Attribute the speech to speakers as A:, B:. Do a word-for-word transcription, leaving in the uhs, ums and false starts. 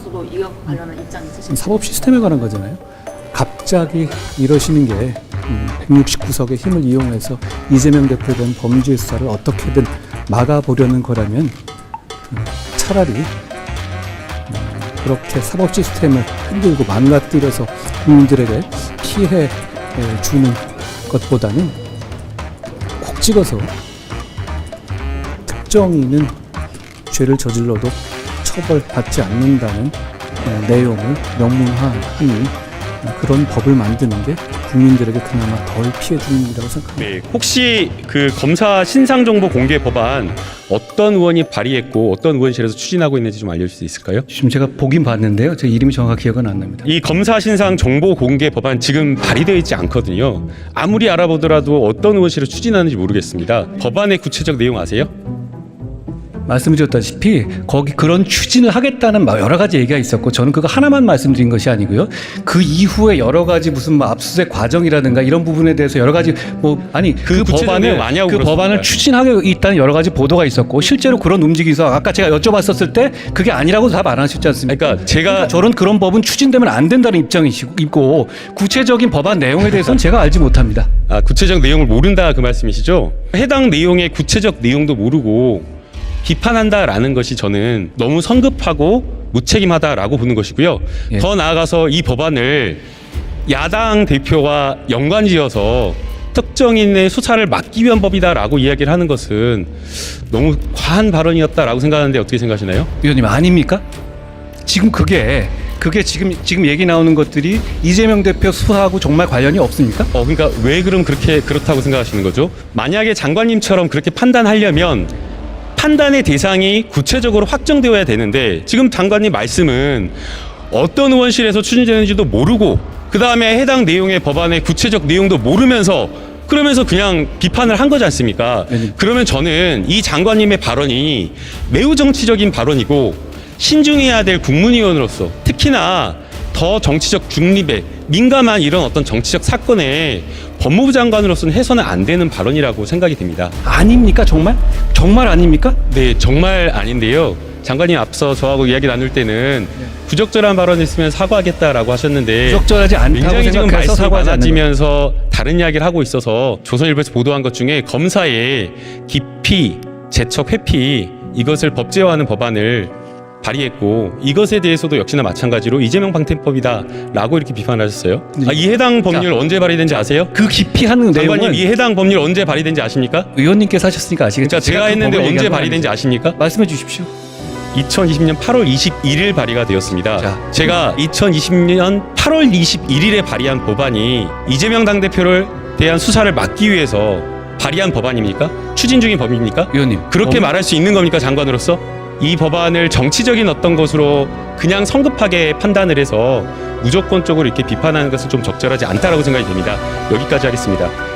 A: 의원님께서도 이와 관련한 입장 있으신가요?
B: 사법 시스템에 관한 거잖아요. 갑자기 이러시는 게 백육십구 석의 힘을 이용해서 이재명 대표에 대한 범죄 수사를 어떻게든 막아보려는 거라면 차라리 그렇게 사법 시스템을 흔들고 망가뜨려서 국민들에게 피해 주는 것보다는 콕 찍어서 특정인은 죄를 저질러도 처벌받지 않는다는 내용을 명문화하는 그런 법을 만드는 게 국민들에게 그나마 덜 피해 주는 일이라고 생각합니다.
C: 네, 혹시 그 검사 신상 정보 공개 법안 어떤 의원이 발의했고 어떤 의원실에서 추진하고 있는지 좀 알려줄 수 있을까요?
B: 지금 제가 보긴 봤는데요. 제 이름이 정확히 기억은 안 납니다.
C: 이 검사 신상 정보 공개 법안 지금 발의되어 있지 않거든요. 아무리 알아보더라도 어떤 의원실을 추진하는지 모르겠습니다. 법안의 구체적 내용 아세요?
B: 말씀드렸다시피 거기 그런 추진을 하겠다는 여러 가지 얘기가 있었고 저는 그거 하나만 말씀드린 것이 아니고요. 그 이후에 여러 가지 무슨 뭐 압수수색 과정이라든가 이런 부분에 대해서 여러 가지 뭐 아니 그,
C: 그
B: 법안을
C: 많냐고
B: 그
C: 그렇습니다.
B: 법안을 추진하고 있다는 여러 가지 보도가 있었고 실제로 그런 움직임이 있어 아까 제가 여쭤봤었을 때 그게 아니라고 답 안 하셨지 않습니까?
C: 그러니까 제가
B: 그러니까 저런 그런 법은 추진되면 안 된다는 입장이시고 구체적인 법안 내용에 대해서는 제가 알지 못합니다.
C: 아, 구체적 내용을 모른다 그 말씀이시죠? 해당 내용의 구체적 내용도 모르고 비판한다라는 것이 저는 너무 성급하고 무책임하다라고 보는 것이고요.
B: 예.
C: 더 나아가서 이 법안을 야당 대표와 연관지어서 특정인의 수사를 막기 위한 법이다라고 이야기를 하는 것은 너무 과한 발언이었다라고 생각하는데 어떻게 생각하시나요?
B: 위원님 아닙니까? 지금 그게 그게 지금 지금 얘기 나오는 것들이 이재명 대표 수사하고 정말 관련이 없습니까?
C: 어, 그러니까 왜 그럼 그렇게 그렇다고 생각하시는 거죠? 만약에 장관님처럼 그렇게 판단하려면 판단의 대상이 구체적으로 확정되어야 되는데 지금 장관님 말씀은 어떤 의원실에서 추진되는지도 모르고 그 다음에 해당 내용의 법안의 구체적 내용도 모르면서 그러면서 그냥 비판을 한 거지 않습니까?
B: 네.
C: 그러면 저는 이 장관님의 발언이 매우 정치적인 발언이고 신중해야 될 국문위원으로서 특히나 더 정치적 중립에 민감한 이런 어떤 정치적 사건에 법무부 장관으로서는 해서는 안 되는 발언이라고 생각이 됩니다.
B: 아닙니까 정말? 정말 아닙니까?
C: 네, 정말 아닌데요. 장관님 앞서 저하고 이야기 나눌 때는 부적절한 발언이 있으면 사과하겠다라고 하셨는데
B: 부적절하지 않다고
C: 굉장히 지금
B: 생각해서
C: 말씀이
B: 사과하지 않는
C: 많아지면서 다른 이야기를 하고 있어서 조선일보에서 보도한 것 중에 검사의 기피, 재척, 회피 이것을 법제화하는 법안을 발의했고 이것에 대해서도 역시나 마찬가지로 이재명 방탄법이다라고 이렇게 비판하셨어요. 아, 이 해당 법률
B: 자,
C: 언제 발의된지 아세요?
B: 그 깊이하는
C: 장관님
B: 내용은
C: 이 해당 법률 언제 발의된지 아십니까?
B: 의원님께서 하셨으니까 아시겠죠?
C: 그러니까 제가
B: 그
C: 했는데
B: 법을
C: 언제
B: 얘기한 건
C: 발의된지
B: 아니죠.
C: 아십니까?
B: 말씀해 주십시오.
C: 이천이십 년 팔월 이십일일 발의가 되었습니다.
B: 자.
C: 제가 이천이십 년 팔월 이십일일에 발의한 법안이 이재명 당대표를 대한 수사를 막기 위해서 발의한 법안입니까? 추진 중인 법입니까?
B: 의원님
C: 그렇게
B: 법-
C: 말할 수 있는 겁니까, 장관으로서? 이 법안을 정치적인 어떤 것으로 그냥 성급하게 판단을 해서 무조건적으로 이렇게 비판하는 것은 좀 적절하지 않다라고 생각이 됩니다. 여기까지 하겠습니다.